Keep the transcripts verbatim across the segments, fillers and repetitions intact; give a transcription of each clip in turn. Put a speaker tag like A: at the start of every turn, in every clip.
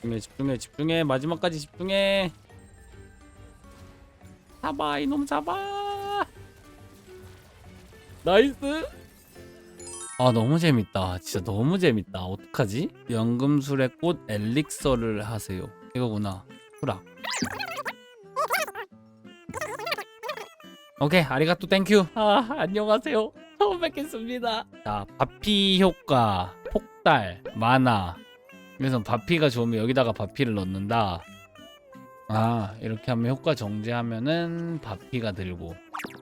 A: 집중해 집중해 집중해 마지막까지 집중해. 잡아 이놈 잡아. 나이스. 아 너무 재밌다. 진짜 너무 재밌다. 어떡하지? 연금술의 꽃 엘릭서를 하세요. 이거구나. 수락. 오케이 아리가또 땡큐. 아 안녕하세요. 처음 뵙겠습니다. 자 바피 효과 폭달 만화. 그래서 바피가 좋으면 여기다가 바피를 넣는다. 아 이렇게 하면 효과 정지하면은 바피가 들고.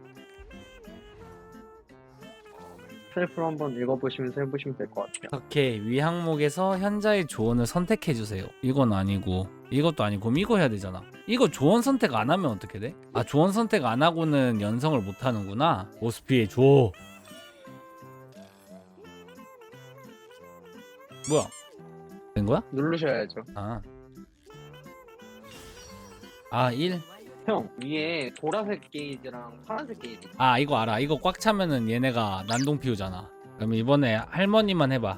B: 셀프로 한번 읽어보시면서 해보시면 될 것 같아요.
A: 이렇게 위 항목에서 현자의 조언을 선택해주세요. 이건 아니고 이것도 아니고 그럼 이거 해야 되잖아. 이거 조언 선택 안 하면 어떻게 돼? 아 조언 선택 안 하고는 연성을 못 하는구나. 오스피에 줘. 뭐야? 된 거야?
B: 누르셔야죠.
A: 아. 아 일?
B: 형 위에 보라색 게이지랑 파란색 게이지.
A: 아 이거 알아. 이거 꽉 차면은 얘네가 난동 피우잖아. 그럼 이번에 할머니만 해봐.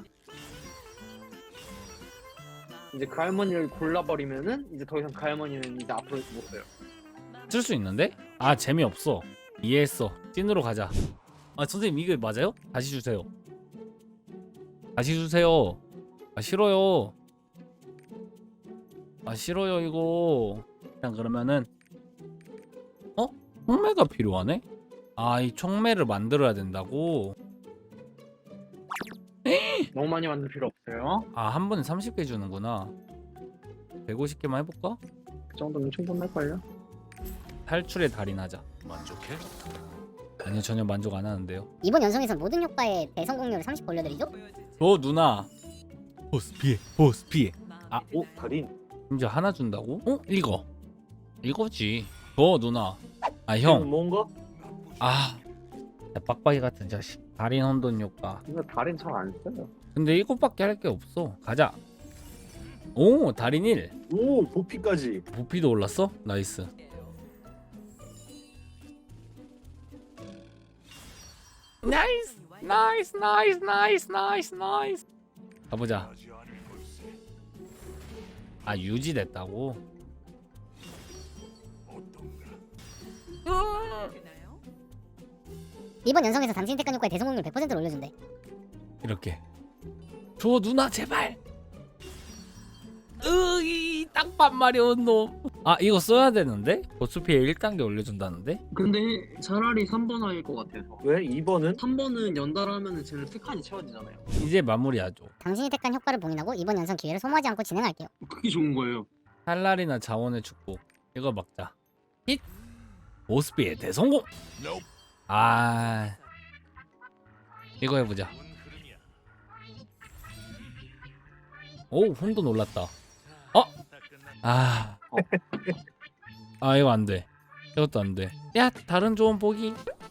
B: 이제 그 할머니를 골라버리면은 이제 더 이상 그 할머니는 이제 앞으로 못 써요.
A: 쓸 수 있는데? 아 재미없어. 이해했어. 찐으로 가자. 아 선생님 이게 맞아요? 다시 주세요. 다시 주세요. 아 싫어요. 아 싫어요 이거. 그냥 그러면은 어? 총매가 필요하네? 아 이 총매를 만들어야 된다고?
B: 너무 많이 만들 필요 없어요.
A: 아 한 번에 삼십 개 주는구나. 백오십 개만 해볼까?
B: 그 정도면 충분할걸요?
A: 탈출의 달인 하자. 만족해? 아니요 전혀 만족 안 하는데요.
C: 이번 연성에선 모든 효과의 대성공률을 삼십 올려드리죠?
A: 저 누나 보스 피해 보스 피해. 아
B: 오 달인.
A: 심지어 하나 준다고? 어? 이거 이거지. 저 누나 아 형
B: 뭔가?
A: 아 빡빡이 같은 자식. 달인 혼돈 효과.
B: 이거 달인 잘 안 써요.
A: 근데 이것밖에 할 게 없어. 가자. 오 달인 일.
D: 오 보피까지.
A: 부피도 올랐어? 나이스. 나이스 나이스 나이스 나이스 나이스 나이스. 가보자. 아 유지됐다고?
C: 이번 연성에서 당신 택한 효과의 대성공률 백 퍼센트를 올려준대.
A: 이렇게 줘 누나 제발. 으이 땅밥 마려운 놈. 아 이거 써야 되는데? 보스 피해 일 단계 올려준다는데?
B: 근데 차라리 삼 번 화일 것 같아서.
D: 왜 이 번은?
B: 삼 번은 연달아하면은 쟤는 세 칸이 채워지잖아요.
A: 이제 마무리하죠.
C: 당신이 택한 효과를 봉인하고 이번 연성 기회를 소모하지 않고 진행할게요.
B: 그게 좋은 거예요.
A: 칼날이나 자원의 축복. 이거 막자. 힛! 보스 피해 대성공! 아 이거 해보자. 오 혼돈 올랐다. 어? 아, 아 이거 안돼. 이것도 안돼. 야 다른 조언 보기.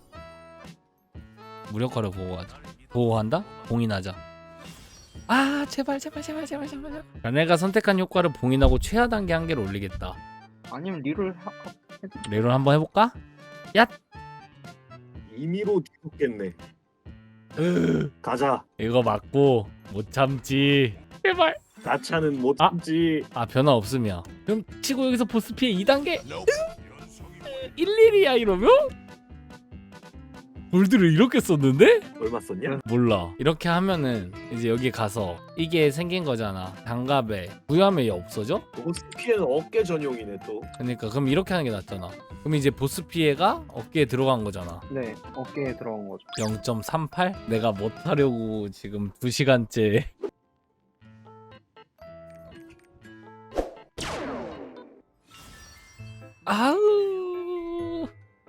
A: 무력화를 보호하자. 보호한다? 봉인하자. 아 제발 제발 제발 제발 제발. 자네가 선택한 효과를 봉인하고 최하 단계 한 개를 올리겠다.
B: 아니면 리를 하...
A: 레론 한번 해볼까? 야
D: 임의로 뒤집겠네. 가자.
A: 이거 맞고 못 참지. 제발.
D: 가차는 못
A: 아.
D: 참지.
A: 아 변화 없으면 그럼 치고 여기서 보스 피해 이 단계 일일이야 이러면? 골드를 이렇게 썼는데?
D: 얼마 썼냐?
A: 몰라. 이렇게 하면은 이제 여기 가서 이게 생긴 거잖아. 장갑에 부여하면 얘 없어져?
D: 보스 피해는 어깨 전용이네 또.
A: 그러니까 그럼 이렇게 하는 게 낫잖아. 그럼 이제 보스 피해가 어깨에 들어간 거잖아.
B: 네 어깨에 들어간 거죠.
A: 영 점 삼팔? 내가 못하려고 지금 두 시간째 아우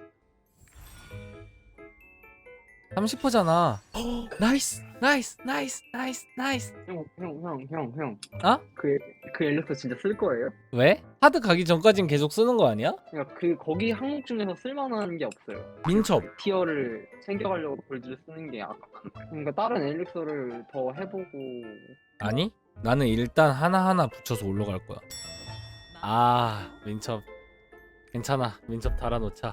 A: 삼십 퍼센트잖아. 나이스 나이스 나이스 나이스 나이스.
B: 형 형 형 형 형.
A: 어?
B: 그, 그 엘릭서 진짜 쓸 거예요?
A: 왜? 하드 가기 전까진 계속 쓰는 거 아니야?
B: 그러니까 그 거기 항목 중에서 쓸만한 게 없어요.
A: 민첩.
B: 티어를 챙겨가려고 골드를 쓰는 게 아깝다는 거예요. 그러니까 다른 엘릭서를 더 해보고.
A: 아니? 나는 일단 하나하나 붙여서 올라갈 거야. 아 민첩 괜찮아. 민첩 달아놓자.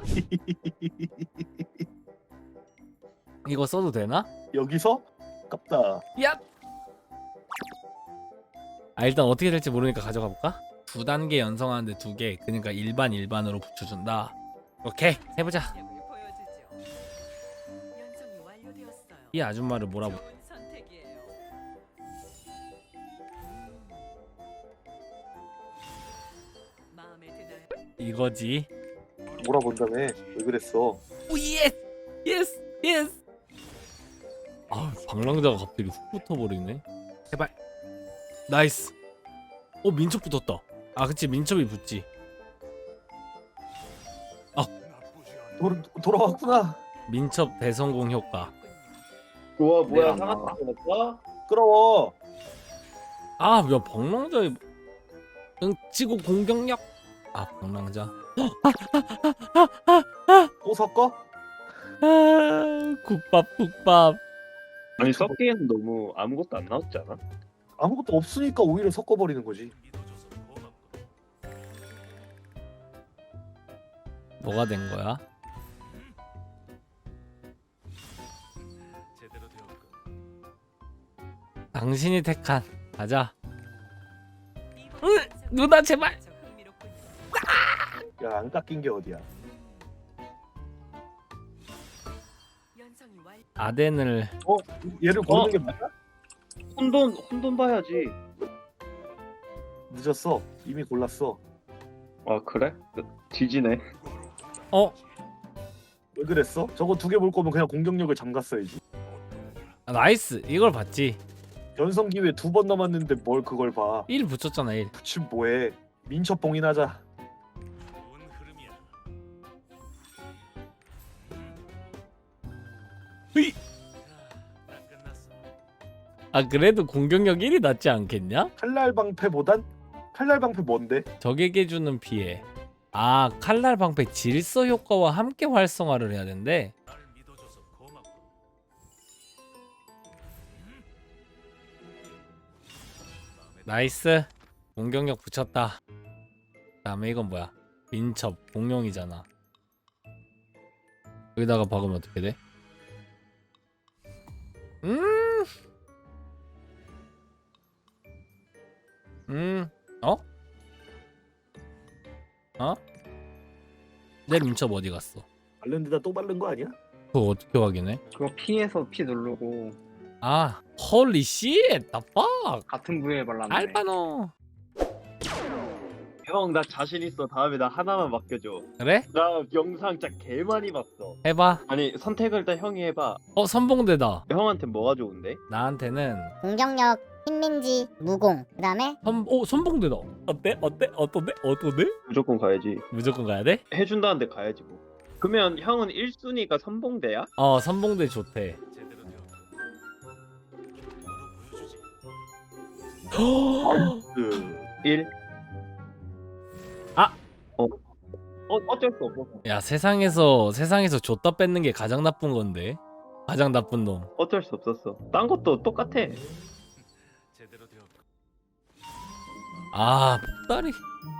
A: 이거 써도 되나?
D: 여기서? 깝다.
A: 야! 아 일단 어떻게 될지 모르니까 가져가 볼까? 두 단계 연성하는데 두 개. 그러니까 일반 일반으로 붙여준다. 오케이 해보자. 이 아줌마를 뭐라고? 이거지.
D: 몰아본다며. 왜 그랬어?
A: 오 예스 예스 예스. 아 방랑자가 갑자기 훅 붙어버리네. 제발. 나이스. 어 민첩 붙었다. 아 그치 민첩이 붙지.
D: 돌, 돌아왔구나.
A: 민첩 대성공 효과.
D: 우와
B: 뭐야,
D: 상한타 끊었어? 끌어워.
A: 아야 방랑자의 응 치고 공격력. 아 방랑자.
D: 또 섞어?
A: 아 국밥 국밥.
E: 아니 섞기에는 너무 아무것도 안 나왔지 않아?
D: 아무것도 없으니까 오히려 섞어버리는 거지.
A: 뭐가 된 거야? 당신이 택한 가자. 으, 누나 제발.
D: 야 안 깎인 게 어디야?
A: 아덴을
D: 어? 얘를 고르는
E: 어?
D: 게 맞아?
E: 혼돈 혼돈 봐야지.
D: 늦었어. 이미 골랐어.
E: 아 그래? 뒤지네.
A: 어
D: 왜 그랬어? 저거 두 개 볼 거면 그냥 공격력을 잠갔어야지.
A: 아, 나이스 이걸 봤지.
D: 연성 기회 두 번 남았는데 뭘 그걸 봐.
A: 일 붙였잖아 일.
D: 붙임 뭐해? 민첩 봉인하자.
A: 으이. 아 그래도 공격력 일이 낫지 않겠냐?
D: 칼날 방패보단 칼날 방패 뭔데?
A: 적에게 주는 피해. 아 칼날 방패 질서 효과와 함께 활성화를 해야 된대. 나이스 공격력 붙였다. 다음에 이건 뭐야? 민첩 공룡이잖아. 여기다가 박으면 어떻게 돼? 음, 음, 어? 어? 내 민첩 어디 갔어?
D: 바른 데다 또 바른 거 아니야?
A: 그거 어떻게 확인해?
B: 그거 P에서 P 누르고
A: 아, 헐리 씨, 나빠.
B: 같은 부위에 발랐네.
A: 알바노.
E: 형 나 자신 있어. 다음에 나 하나만 맡겨줘.
A: 그래?
E: 나 영상 진짜 개 많이 봤어.
A: 해봐.
E: 아니 선택을 일단 형이 해봐.
A: 어, 선봉대다.
E: 형한테 뭐가 좋은데?
A: 나한테는
C: 공격력, 힘민지, 무공. 그 다음에
A: 선, 오, 선봉대다. 어때? 어때? 어떤데? 어떤데?
E: 무조건 가야지.
A: 무조건 가야 돼?
E: 해준다는데 가야지 뭐. 그러면 형은 일 순위가 선봉대야?
A: 어, 선봉대 좋대.
D: 그
E: 일.
A: 아!
E: 어. 어 어쩔 수 없어.
A: 야, 세상에서 세상에서 줬다 뺏는 게 가장 나쁜 건데. 가장 나쁜 놈.
E: 어쩔 수 없었어. 딴 것도 똑같아.
A: 아, 폭다리.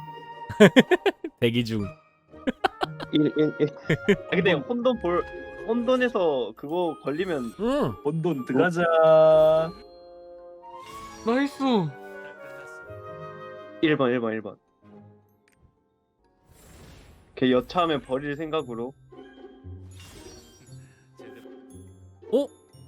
A: 대기 중.
E: 일 일 일. 아 근데 혼돈 볼 혼돈에서 그거 걸리면
A: 응.
D: 본돈 들어가자.
A: 나이스.
E: 일 번 일 번 일 번. 걔 여차하면 버릴 생각으로.
A: 어?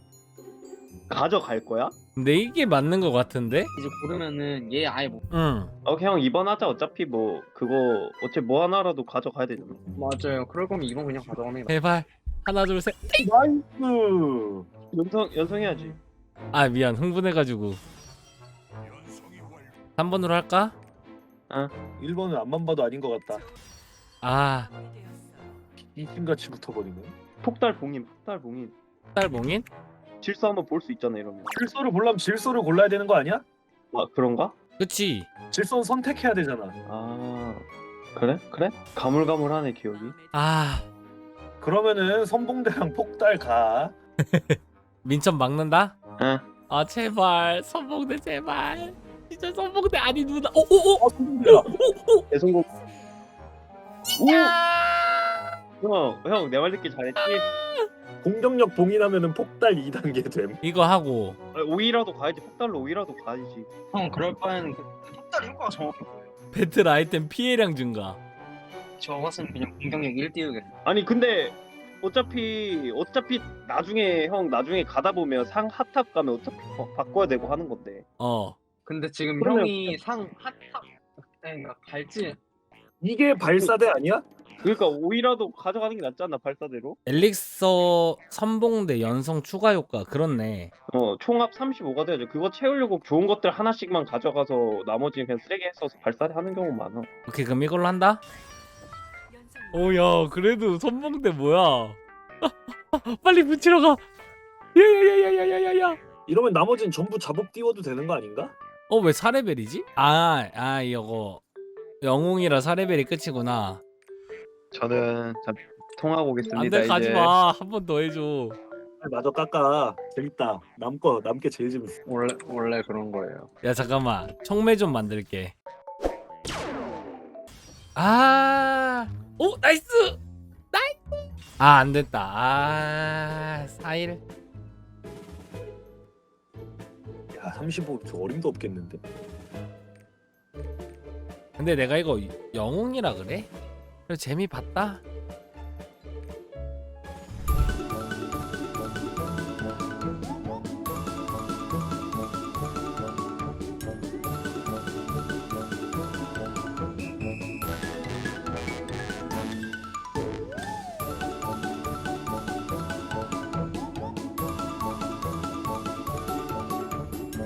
E: 가져갈 거야?
A: 근데 이게 맞는 것 같은데?
B: 이제 고르면은 얘 아예 못.
A: 응.
E: 오케이 형 이 번 하자. 어차피 뭐 그거 어차피 뭐 하나라도 가져가야 되잖아.
B: 맞아요. 그럴 거면 이건 그냥 가져가는 게
A: 제발. 하나, 둘, 셋.
D: 나이스.
E: 연성 연성해야지.
A: 아, 미안. 흥분해가지고. 삼 번으로 할까?
D: 일 번은 앞만 봐도 아닌 것 같다.
A: 아,
D: 이심같이 붙어버리네.
E: 폭달 봉인 폭달 봉인.
A: 딸봉인?
E: 질서 한번 볼 수 있잖아 이러면.
D: 질서를 보려면 질서를 골라야 되는 거 아니야?
E: 아 그런가?
A: 그치.
D: 질서는 선택해야 되잖아.
E: 아 그래? 그래? 가물가물하네 기억이.
A: 아,
D: 그러면은 선봉대랑 폭달 가.
A: 민첩 막는다?
E: 응.
A: 아, 제발. 선봉대 제발. 진짜 선봉대 아니 누나. 오, 오, 오.
D: 어 선봉대야.
E: 대성공.
A: 야!
E: 형형 내 말 듣기 잘했지?
D: 공격력 봉인하면은 폭달 이 단계 됨.
A: 이거 하고
E: 아니, 오이라도 가야지. 폭달로 오이라도 가야지.
B: 형 그럴 바에는 그 폭달 효과가 정확한 거예요.
A: 배틀 아이템 피해량 증가.
B: 저 같으면 그냥 공격력 일 띄우겠어.
E: 아니 근데 어차피 어차피 나중에 형 나중에 가다 보면 상 핫탑 가면 어차피 바, 바꿔야 되고 하는 건데.
A: 어
B: 근데 지금
D: 그러면-
B: 형이 상 핫탑 그러니까 갈지
D: 이게 발사대 아니야?
E: 그러니까 오이라도 가져가는 게 낫지 않나 발사대로?
A: 엘릭서 선봉대 연성 추가 효과 그렇네.
E: 어 총합 삼십오가 돼야죠. 그거 채우려고 좋은 것들 하나씩만 가져가서 나머지는 그냥 쓰레기 했어서 발사대 하는 경우 많아.
A: 오케이 그럼 이걸로 한다. 오야 그래도 선봉대 뭐야? 빨리 붙이러 가. 야야야야야야야.
D: 이러면 나머지는 전부 잡업 띄워도 되는 거 아닌가?
A: 어 왜 사 레벨이지? 아아 이거 영웅이라 사 레벨이 끝이구나.
E: 저는 자, 통하고 오겠습니다.
A: 안돼 가지 마. 한 번 더 해줘.
D: 아, 맞아 깎아. 재밌다. 남거 남게 제일 재밌어.
B: 원래 원래 그런 거예요.
A: 야 잠깐만 총매 좀 만들게. 아, 오 나이스, 나이스. 아 안됐다. 아 사일.
D: 야 삼십오 저 어림도 없겠는데?
A: 근데 내가 이거 영웅이라 그래? 그래 재미 봤다.